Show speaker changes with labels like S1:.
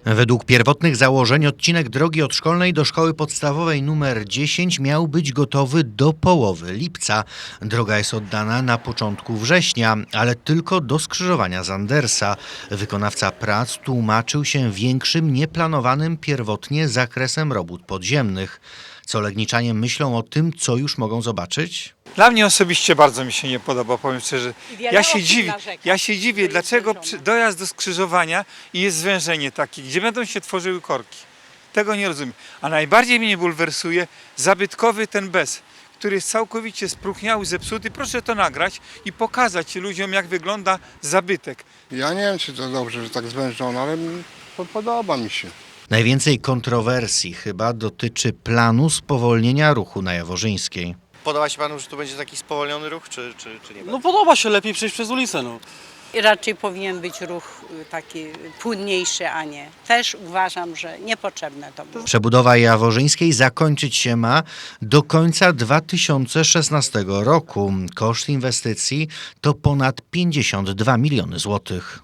S1: Według pierwotnych założeń odcinek drogi od Szkolnej do Szkoły Podstawowej nr 10 miał być gotowy do połowy lipca. Droga jest oddana na początku września, ale tylko do skrzyżowania z Andersa. Wykonawca prac tłumaczył się większym, nieplanowanym pierwotnie zakresem robót podziemnych. Co legniczanie myślą o tym, co już mogą zobaczyć?
S2: Dla mnie osobiście bardzo mi się nie podoba, powiem szczerze.
S3: Wiele osób narzeka.
S2: Ja się dziwię,
S3: jest
S2: dlaczego
S3: złożone.
S2: dojazd do skrzyżowania i jest zwężenie takie, gdzie będą się tworzyły korki. Tego nie rozumiem. A najbardziej mnie bulwersuje zabytkowy ten bez, który jest całkowicie spróchniały, zepsuty. Proszę to nagrać i pokazać ludziom, jak wygląda zabytek.
S4: Ja nie wiem, czy to dobrze, że tak zwężono, ale podoba mi się.
S1: Najwięcej kontrowersji chyba dotyczy planu spowolnienia ruchu na Jaworzyńskiej.
S5: Podoba się panu, że tu będzie taki spowolniony ruch, czy nie?
S6: No podoba się, lepiej przejść przez ulicę, no.
S3: I raczej powinien być ruch taki płynniejszy, a nie. Też uważam, że niepotrzebne to było.
S1: Przebudowa Jaworzyńskiej zakończyć się ma do końca 2016 roku. Koszt inwestycji to ponad 52 miliony złotych.